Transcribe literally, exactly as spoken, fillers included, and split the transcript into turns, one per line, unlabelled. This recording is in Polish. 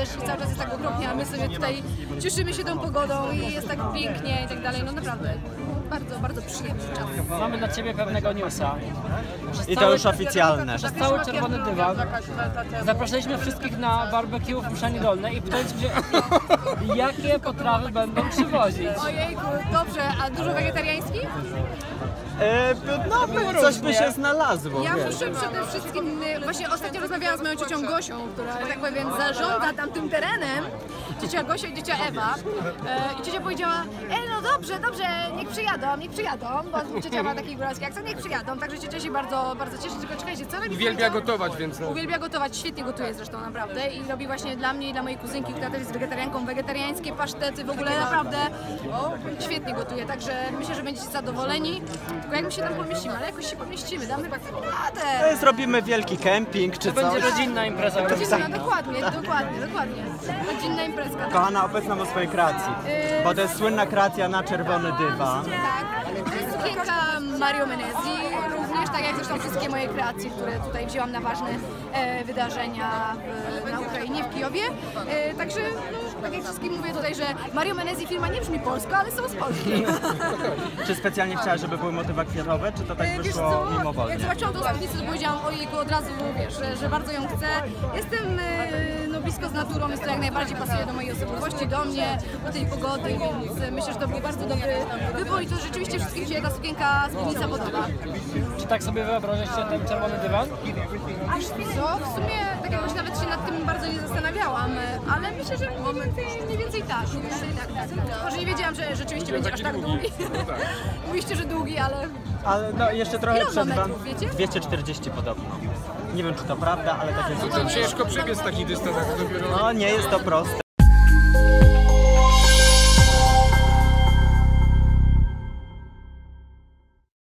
deszcz i cały czas jest tak okropnie, a my sobie tutaj cieszymy się tą pogodą i jest tak pięknie i tak dalej, no naprawdę bardzo, bardzo przyjemny czas.
Mamy dla Ciebie pewnego newsa. Przez
I to
cały-
już oficjalne.
Przez cały czerwony dywan zapraszaliśmy wszystkich na barbecue w Mszanie Dolnej i pytaliśmy się, jakie potrawy będą przywozić.
Ojejku, dobrze, a dużo wegetariańskich?
E, no, by, coś by się znalazło,
Ja
wiesz.
muszę przede wszystkim, y, właśnie ostatnio rozmawiałam z moją ciocią Gosią, która, że tak powiem, zarządza tamtym terenem. Ciocia Gosia i ciocia Ewa. E, I ciocia powiedziała, e no dobrze, dobrze, niech przyjadą, niech przyjadą, bo ciocia ma taki góralski akcent, niech przyjadą. Także ciocia się bardzo, bardzo cieszy, tylko czekajcie, co robi?
Uwielbia gotować, więc no.
Uwielbia gotować, świetnie gotuje zresztą naprawdę i robi właśnie dla mnie i dla mojej kuzynki, która też jest wegetarianką, wegetariańskie pasztety, w ogóle naprawdę świetnie gotuje, także myślę, że będziecie zadowoleni. Tylko jak my się tam pomieścimy, ale jakoś się pomieścimy, damy tak radę.
E, Zrobimy wielki kemping czy
To będzie
coś.
rodzinna impreza.
Rodzinna, dokładnie, dokładnie, dokładnie. Rodzinna imprezka.
Kochana, opowiedz nam o swojej kreacji, bo to jest słynna kreacja na czerwony dywan.
Tak, to jest sukienka Mario Menezi, również tak jak zresztą wszystkie moje kreacje, które tutaj wzięłam na ważne e, wydarzenia w, na Ukrainie, w Kijowie. E, także, no, tak jak wszystkim mówię tutaj, że Mario Menezi firma nie brzmi polsko, ale są z Polski.
Czy specjalnie chciałaś, żeby były motywy kwiatowe, czy to tak
E, Wiesz
wyszło
co,
mimowolnie?
jak zobaczyłam tą spódnicę, to powiedziałam ojejku, od razu wiesz, że, że bardzo ją chcę. Jestem e, no, blisko z naturą, jest to jak najbardziej pasuje do mojej osobowości, do mnie, do tej pogody, więc e, myślę, że to był bardzo dobry wybór i to rzeczywiście wszystkim się ta sukienka, spódnica podoba.
Czy tak sobie wyobrażasz się ten czerwony dywan?
Aż co? W sumie tak jakoś nawet się nad tym bardzo nie zastanawiałam, ale myślę, że mniej więcej, mniej więcej tak. Mniej więcej tak, tak, tak. Może nie wiedziałam, że rzeczywiście będzie aż tak długi. Mówiście, że długi, ale
Ale no, jeszcze trochę
Ile on ma
przed wam.
metrów, wiecie?
dwieście czterdzieści podobno. Nie wiem, czy to prawda, ale tak jest.
To ciężko przebiec taki dystans, jak dopiero...
No, nie jest to proste.